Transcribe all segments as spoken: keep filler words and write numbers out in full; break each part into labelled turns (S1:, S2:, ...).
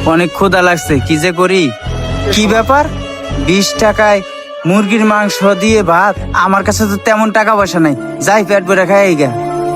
S1: অনেক ক্ষুধা লাগছে, কি যে করি। কি ব্যাপার, বিশ টাকায় মুরগির মাংস দিয়ে ভাত? আমার কাছে তো তেমন টাকা পয়সা নাই, যাই পেট ভরে খাই গা।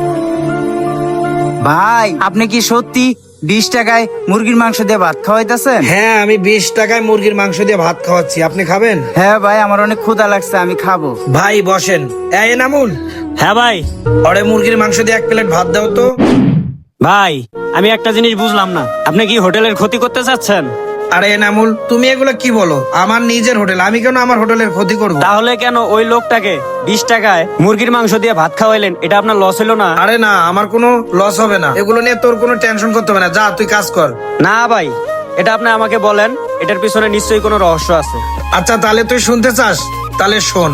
S1: ভাই, আপনি কি সত্যি বিশ টাকায় মুরগির মাংস দিয়ে ভাত খাওয়াইতেছেন?
S2: হ্যাঁ, আমি বিশ টাকায় মুরগির মাংস দিয়ে ভাত খাওয়াচ্ছি। আপনি খাবেন?
S1: হ্যাঁ ভাই, আমার অনেক ক্ষুধা লাগছে, আমি খাবো।
S2: ভাই বসেন। এই নামুন।
S3: হ্যাঁ ভাই।
S2: ওরে মুরগির মাংস দিয়ে এক প্লেট ভাত দাও তো।
S3: ভাই, আমি একটা জিনিস বুঝলাম না, আপনি কি হোটেলের ক্ষতি করতে চাচ্ছেন?
S2: আরে নামুল, তুমি এগুলো কি বলো? আমার নিজের হোটেল, আমি কেন আমার হোটেলের ক্ষতি করবো?
S3: তাহলে কেন ওই লোকটাকে বিশ টাকায় মুরগির মাংস দিয়ে ভাত খাওয়াইলেন? এটা আপনার লস হলো না?
S2: আরে না, আমার কোনো লস হবে না, এগুলো নিয়ে তোর কোনো টেনশন করতে হবে না। যা, তুই কাজ কর।
S3: না ভাই, এটা আপনি আমাকে বলেন, এটার পিছনে নিশ্চয়ই কোনো রহস্য আছে।
S2: আচ্ছা, তাহলে তুই শুনতে চাস? তাহলে শোন।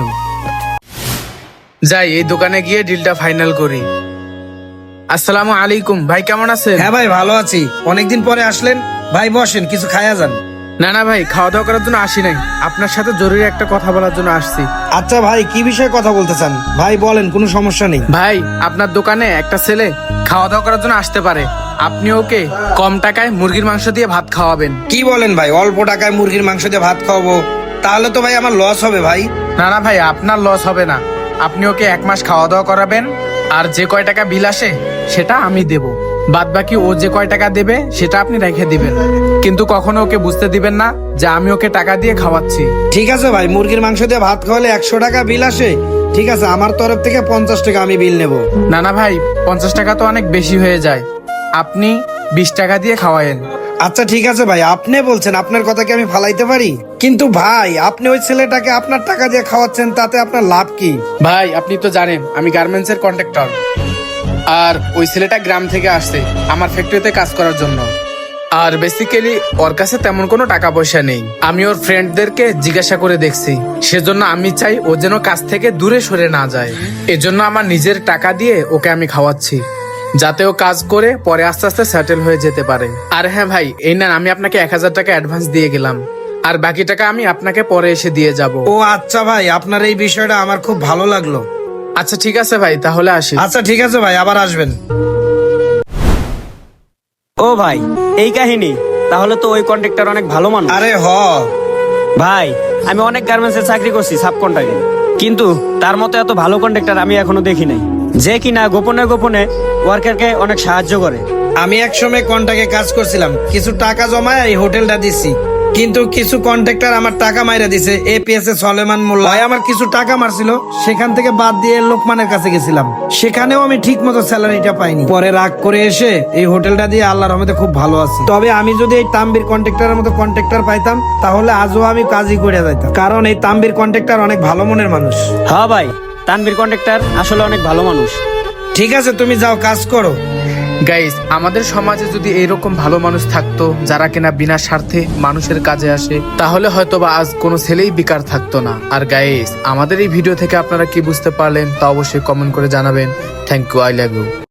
S4: যাই এই দোকানে গিয়ে ডিলটা ফাইনাল করি। আসসালামু আলাইকুম ভাই, কেমন আছেন?
S2: হ্যাঁ ভাই, ভালো আছি। অনেকদিন পরে আসলেন ভাই, বসেন, কিছু খায়া যান।
S4: না না ভাই, খাওয়া দাওয়া করার জন্য আসি নাই, আপনার সাথে জরুরি একটা কথা বলার জন্য আসছি।
S2: আচ্ছা ভাই, কি বিষয়ে কথা বলতে চান? ভাই বলেন, কোনো সমস্যা নেই।
S4: ভাই, আপনার দোকানে একটা ছেলে খাওয়া দাওয়া করার জন্য আসতে পারে, আপনি ওকে কম টাকায় মুরগির মাংস দিয়ে ভাত খাওয়াবেন।
S2: কি বলেন ভাই, অল্প টাকায় মুরগির মাংস দিয়ে ভাত খাওয়াবো? তাহলে তো ভাই আমার লস হবে ভাই।
S4: না না ভাই, আপনার লস হবে না, আপনি ওকে এক মাস খাওয়া দাওয়া করাবেন, আর যে কয় টাকা বিল আসে সেটা আমি দেব, বাদ বাকি ও যে কয় টাকা দেবে সেটা আপনি রেখে দিবেন, কিন্তু কখনো ওকে বুঝতে দিবেন না যে আমি ওকে টাকা দিয়ে খাওয়াচ্ছি।
S2: ঠিক আছে ভাই, মুরগির মাংস দিয়ে ভাত খাওয়ালে একশো টাকা বিল আসে, ঠিক আছে, আমার তরফ থেকে পঞ্চাশ টাকা আমি বিল নেব।
S4: না না ভাই, পঞ্চাশ টাকা তো অনেক বেশি হয়ে যায়, আপনি বিশ টাকা দিয়ে খাওয়ায়েন।
S2: আচ্ছা ঠিক আছে ভাই, আপনি বলছেন, আপনার কথা কি আমি ফালাইতে পারি? কিন্তু ভাই, আপনি ওই ছেলেটাকে আপনার টাকা দিয়ে খাওয়াচ্ছেন, তাতে আপনার লাভ কি?
S4: ভাই, আপনি তো জানেন আমি গার্মেন্টস এর কন্ট্রাক্টর, আর ওই ছেলেটা গ্রাম থেকে আসছে আমার ফ্যাক্টরিতে কাজ করার জন্য, আর বেসিক্যালি ওর কাছে তেমন কোনো টাকা পয়সা নেই। আমি ওর ফ্রেন্ডদেরকে জিজ্ঞাসা করে দেখছি, সেজন্য আমি চাই ও যেন কাজ থেকে দূরে সরে না যায়, এজন্য আমার নিজের টাকা দিয়ে ওকে আমি খাওয়াচ্ছি, যাতে ও কাজ করে পরে আস্তে আস্তে সেটেল হয়ে যেতে পারে। আর হ্যাঁ ভাই, এই না, আমি আপনাকে এক হাজার টাকা অ্যাডভান্স দিয়ে গেলাম, আর বাকি টাকা আমি আপনাকে পরে এসে দিয়ে যাব।
S2: ও আচ্ছা ভাই, আপনার এই বিষয়টা আমার খুব ভালো লাগলো।
S4: আচ্ছা ঠিক আছে ভাই, তাহলে আসি।
S2: আচ্ছা ঠিক আছে ভাই, আবার আসবেন।
S3: ও ভাই, এই কাহিনী? তাহলে তো ওই কন্ট্রাক্টর অনেক ভালো মানুষ।
S2: আরে হ
S3: ভাই, আমি অনেক গার্মেন্টসে চাকরি করছি সাব কন্ট্রাক্টে, কিন্তু তার মতো এত ভালো কন্ট্রাক্টর আমি এখনো দেখি নাই, যে কিনা গোপনে গোপনে ওয়ার্কারকে অনেক সাহায্য করে।
S2: আমি এক সময় কন্ট্রাক্টে কাজ করছিলাম, কিছু টাকা জমায় এই হোটেলটা দিছি, কিন্তু কিছু কন্ট্রাক্টর আমার টাকা মাইরা দিছে। এপিএস এ সলেমান মোল্লা ভাই আমার কিছু টাকা মারছিল, সেখান থেকে বাদ দিয়ে লোকমানের কাছে গেছিলাম, সেখানেও আমি ঠিক মতো স্যালারিটা পাইনি। পরে রাগ করে এসে এই হোটেলটা দিয়ে আল্লাহর রহমতে খুব ভালো আছি। তবে আমি যদি এই তাম্বির কন্ট্রাক্টরের মতো কন্ট্রাক্টর পাইতাম, তাহলে আজও আমি কাজই করে যাইতাম, কারণ এই তাম্বির কন্ট্রাক্টর অনেক ভালো মনের মানুষ।
S3: হ্যাঁ ভাই, তানভীর কন্ট্রাক্টর আসলে অনেক ভালো মানুষ।
S2: ঠিক আছে, তুমি যাও, কাজ করো।
S4: গাইস, আমাদের সমাজে যদি এরকম ভালো মানুষ থাকতো যারা কিনা বিনা স্বার্থে মানুষের কাজে আসে, তাহলে হয়তো বা আজ কোনো ছেলেই বেকার থাকতো না। আর গাইস, আমাদের এই ভিডিও থেকে আপনারা কি বুঝতে পারলেন তা অবশ্যই কমেন্ট করে জানাবেন। Thank you, I love you.